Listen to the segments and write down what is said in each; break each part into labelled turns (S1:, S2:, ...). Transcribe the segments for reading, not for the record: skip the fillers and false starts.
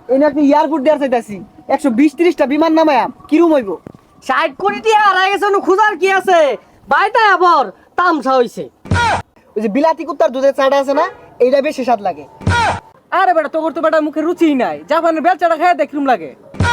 S1: এই একটা এয়ারপোর্ট দেওয়ার চাইতাছি 120-30টা বিমান নামায়া কিরম হইব?
S2: 60 কোটি টাকা হারাই গেছে, খুঁজার কি আছে? বাইটা আবার তামসা হইছে।
S1: ওই যে বিলাতি কুত্তার দুধের চাটা আছে না, এইটা বেশি স্বাদ লাগে।
S3: আরে বেটা তোর তো বেটা মুখে রুচি নাই, জাপানের বেলচাটা খেয়ে দেখলুম লাগে।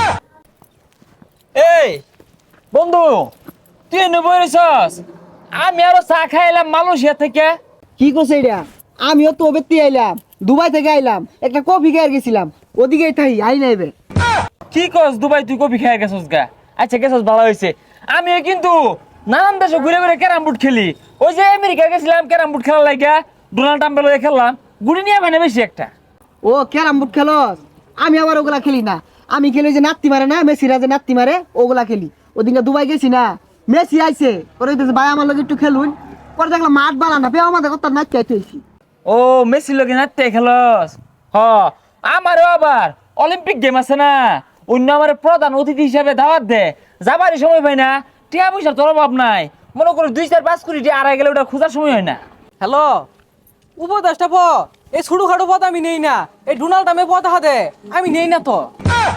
S4: এই বন্ধু, তুই এনে বইরেছস? আমি আরো চা খাইলাম মালয়েশিয়া থেকে।
S1: কি করছে এটা? আমিও তো বেত্তি আইলাম, দুবাই থেকে আইলাম, একটা কফি খেয়ে গেছিলাম, ওদিকেই থাই আই নাইবে।
S4: কি কস দুবাই তুই কফি খাই গেছস গা? আচ্ছা গেছস ভালো হয়েছে। আমিও কিন্তু নানান দেশে ঘুরে ঘুরে ক্যারাম বোর্ড খেলি। ওই যে আমেরিকা গেছিলাম ক্যারাম বোর্ড খেলার লাগা, ডোনাল্ড ট্রাম্পের লগে খেললাম, গুড়ি নিয়ে মানে বেশি একটা।
S1: ও ক্যারাম বোর্ড খেলস? আমি আবার ওগুলা খেলি না, আমি খেলি ওই যে নাত্তি মারে না, মেসিরা যে নাত্তি মারে ওগুলা খেলি। ওদিনকে দুবাই গেছি না, মেসি আইছে, ওরে ভাই আমার লগে একটু খেলুন, পরে দেখলাম মাঠ বালা না, পেয়ে আমাদের কথা নাচ চাইতেছি।
S4: ও মেসির লগে নাচতে খেলস? হ, আমারও আবার অলিম্পিক গেম আছে না, অন্য আমার প্রধান অতিথি হিসাবে দাওয়াত দে, যাবারই সময় পাই না, টিয়া পয়সার তোর অভাব নাই। মনে করো 2-4-5 কোটি টিয়া আড়াই গেলে ওটা খোঁজার সময় হয় না।
S3: হ্যালো, উপদেশটা প এই ছোটো খাটো পথ আমি নেই না, এই ডোনাল্ড ট্রাম্পের পথ হাতে আমি নেই না তো।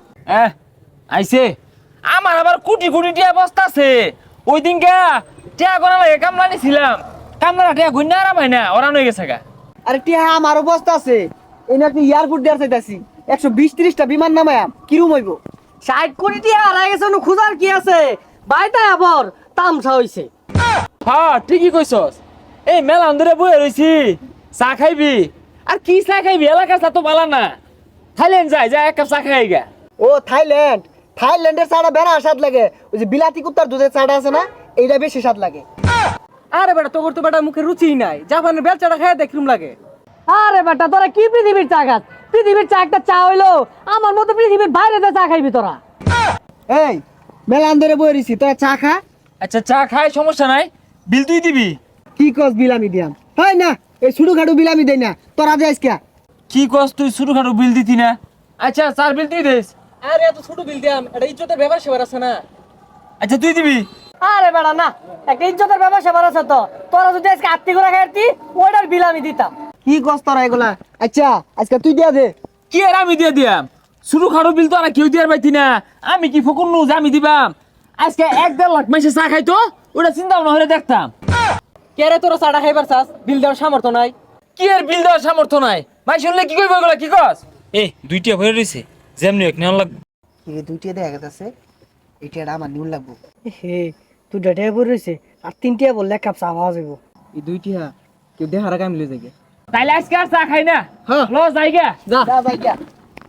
S4: আইছে আমার আবার কোটি কোটি টিয়া বস্তা আছে। ওই দিনকা টিয়া গোনা লাগে কামলা নিছিলাম, কামলা টিয়া গুন্না আরাম হয় না, ওরান হয়ে গেছে গা।
S1: আরে টিয়া আমার অবস্থা আছে, এই একটা এয়ারপোর্ট দেওয়ার চাইতাছি 120-30টা বিমান নামায়া কিরম হইব?
S2: 60 কোটি টাকা হারাই গেছে, খুঁজার কি আছে? বাইটা আবার তামসা হইছে।
S4: হ্যাঁ ঠিকই কইছস। এই মেলা ধরে বয়ে রইছি, চা খাইবি? আর কি চা খাইবি? এলাকার চা তো ভালো না। থাইল্যান্ড যাই এক কাপ চা খাই গা।
S1: ও থাইল্যান্ড, থাইল্যান্ডের চাটা বেড়া স্বাদ লাগে, ওই যে বিলাতি কুত্তার দুধের চাটা আছে না, এইটা বেশি স্বাদ লাগে।
S3: আরে বেটা তোর তো বেটা মুখে রুচি নাই, জাপানের বেলচাটা খেয়ে দেখলুম লাগে।
S2: আরে বেটা তোরা কি পৃথিবীর চা খাস? পৃথিবীর চা একটা চা হইলো, আমার মতো পৃথিবীর বাইরে চা খাইবি তোরা?
S1: এই মেলা ধরে বয়ে রইছি, তোরা চা খা।
S4: আচ্ছা চা খাই, সমস্যা নাই, বিল তুই দিবি।
S1: কি কস বিলামি দিয়াম? হয় না, এই ছোটো খাটো বিলামি দেয় না, তোরা যাইস কে?
S4: কি কস তুই ছোটখাটো বিল দিতি না? আচ্ছা চার বিল তুই দিস।
S3: আরে এত ছোট বিল দিয়াম, এটা ইজ্জতের ব্যাপার সেবার আছে না।
S4: আচ্ছা তুই দিবি।
S2: আরে বেটা না, একটা ইজ্জতের ব্যাপার সেবার আছে তো। তোরা যদি আজকে আত্মি করে খাইতি, ওইটার বিল আমি দিতাম।
S1: কি কস তোরা এগুলা? আচ্ছা আজকে তুই দিয়া দে।
S4: কি আর আমি দিয়ে দিয়াম? ছোটখাটো বিল তো আর কেউ দিয়ার পাইতি না, আমি কি ফকুন নু যে আমি দিবাম? আজকে 1-1.5 লাখ মাসে চা খাইতো, ওটা চিন্তা ভাবনা হলে দেখতাম।
S3: কে রে তোরা চাটা খাইবার চাস? বিল দেওয়ার সামর্থ্য নাই।
S4: কি আর বিল দেওয়ার সামর্থ্য নাই? ভাই শুনলে কি কইব এগুলা? কি কস? এই দুইটা ভরে রইছে, যেমনি এক নেওয়া লাগবে।
S1: এই দুইটা দেখা গেছে, এটা আমার নিউল লাগবো।
S2: হে তুই ডেটে পড়ে রয়েছে, আর 3টা বললে এক কাপ চা পাওয়া যাবো।
S3: এই দুইটা কেউ দেখার আগে আমি লই যাই।
S4: তাইলে আজকে আর চা খাই না,
S1: হ্যাঁ।
S4: লো যাইগা।
S1: যা ভাই যা।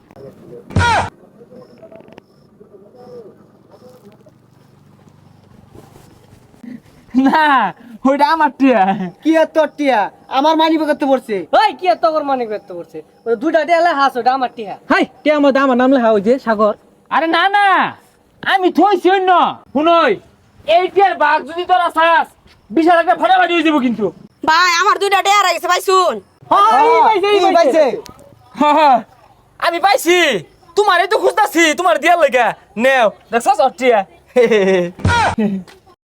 S4: না ওইটা আমার টিয়া।
S1: কি আর তোর টিয়া? আমার মানি করতে পড়ছে।
S2: ওই কি এত করে মানে করতে করছে? ওই দুইটা দেয়ালে হাস, ওটা আমার টিহা।
S3: হাই কে আমার নাম লেখা ওই যে সাগর।
S4: আরে না না, আমি থইছি অন্য। শুনই, এই টিয়ার বাঘ যদি তোরা চাস, বিশাল একটা ফাটাফাটি হয়ে যাবো কিন্তু।
S5: ভাই আমার দুইটা ডেয়ার গেছে ভাই শুন।
S1: এই পাইছে।
S4: আমি পাইছি, তোমারই তো খুঁজতাছি, তোমার দিয়ার লেগা নেও দেখছস টিয়া।